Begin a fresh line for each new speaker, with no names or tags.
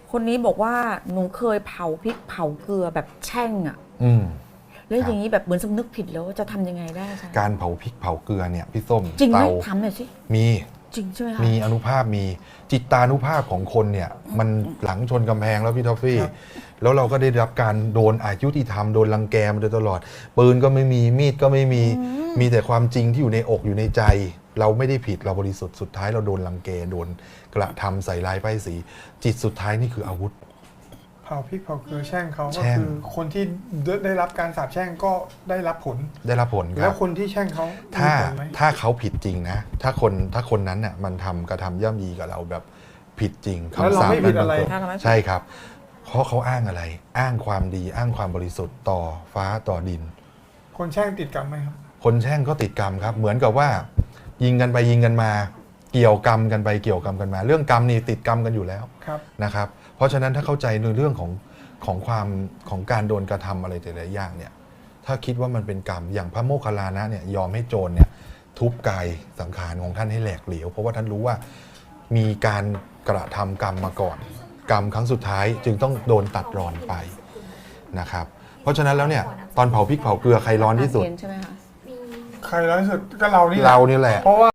คนนี้บอกว่าหนูเคยเผาพริกเผาเกลือแบบแช่งอ่ะแล้วอย่างนี้แบบเหมือนสำนึกผิดแล้วจะทำยังไงได้คะ
การเผาพริกเผาเกลือเนี่ยพี่ส้ม
จริงไหม
เตา
ทำหน่อยสิ
มี
จริงใช่ไหมคะ
มีอนุภาพมีจิตตานุภาพของคนเนี่ยมันหลังชนกำแพงแล้วพี่ทอฟฟี่แล้วเราก็ได้รับการโดนอายุติธรรมโดนรังแกมาโดยตลอดปืนก็ไม่มีมีดก็ไม่มีมีแต่ความจริงที่อยู่ในอกอยู่ในใจ เราไม่ได้ผิดเราบริสุทธิ์สุดท้ายเราโดนรังแกโดนกระทำใส่ร้ายป้ายสีจิตสุดท้ายนี่คืออาวุธ
เผาพริกเผาเกลือแช่งเขา
แช่
ก็
ง
คือคนที่ได้รับการสาปแช่งก็ได้รับผล
ได้รับผลค
แล้
รั
ว
บ
คนที่แช่งเขา
ถ้า
มีผลไหม
ถ้าเขาผิดจริงนะถ้าคนนั้นน่ะมันกระทำย่ำยีกับเราแบบผิดจริง
แล้วเรา
คำสาป
ไม่ผิดอะไร
นั้นบังเกิดใช่ครับ เพราะเขาอ้างอะไร อ้างความดีอ้างความบริสุทธิ์ต่อฟ้าต่อดิน
คนแช่งติดกรรมไหมครับ
คนแช่งก็ติดกรรมครับ เหมือนกับว่า ยิงกันไปยิงกันมา เกี่ยวกรรมกันไปเกี่ยวกรรมกันมา เรื่องกรรมนี่ติดกรรมกันอยู่แล้ว
ครับ
นะครับ เพราะฉะนั้นถ้าเข้าใจในเรื่องของความของการโดนกระทำอะไรแต่ละอย่างเนี่ย ถ้าคิดว่ามันเป็นกรรมอย่างพระโมคคัลลานะเนี่ยยอมให้โจรเนี่ยทุบกายสังขารของท่านให้แหลกเหลวเพราะว่าท่านรู้ว่ามีการกระทำกรรมมาก่อน กรรมครั้งสุดท้ายจึงต้องโดนตัดรอนไปนะครับ เพราะฉะนั้นแล้วเนี่ยตอนเผาพริกเผาเกลือใครร้อนที่สุด
ใช่ไหมคะ
ใครร้ายสุดก็เรานี่แหละ
เรานี่แหละ
เพราะว่า